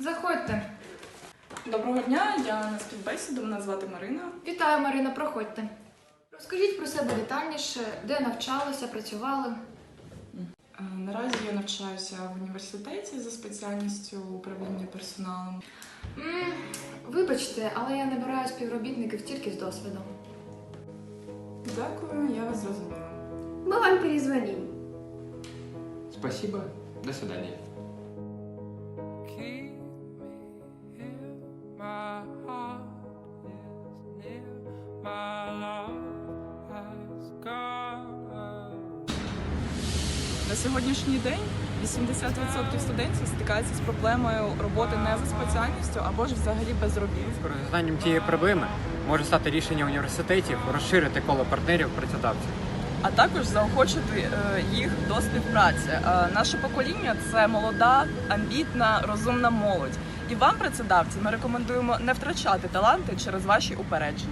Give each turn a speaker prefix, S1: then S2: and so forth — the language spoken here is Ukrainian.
S1: Заходьте.
S2: Доброго дня, я на співбесіду, мене звати Марина.
S1: Вітаю, Марина, проходьте. Розкажіть про себе детальніше, де навчалися, працювали.
S2: Наразі я навчаюся в університеті за спеціальністю управління персоналом.
S1: Вибачте, але я набираю співробітників тільки з досвідом.
S2: Дякую, я вас зрозуміла.
S1: Ми вам перезвонимо.
S3: Спасибо. До свидания.
S4: Keep me here, my heart is near, my love has gone.
S2: На сьогоднішній день 80% студентів стикаються з проблемою роботи не за спеціальністю або ж взагалі без робіт.
S5: Розв'язанням цієї проблеми може стати рішення університетів розширити коло партнерів працедавців.
S2: А також заохочити їх до співпраці. Наше покоління – це молода, амбітна, розумна молодь. І вам, працедавці, ми рекомендуємо не втрачати таланти через ваші упередження.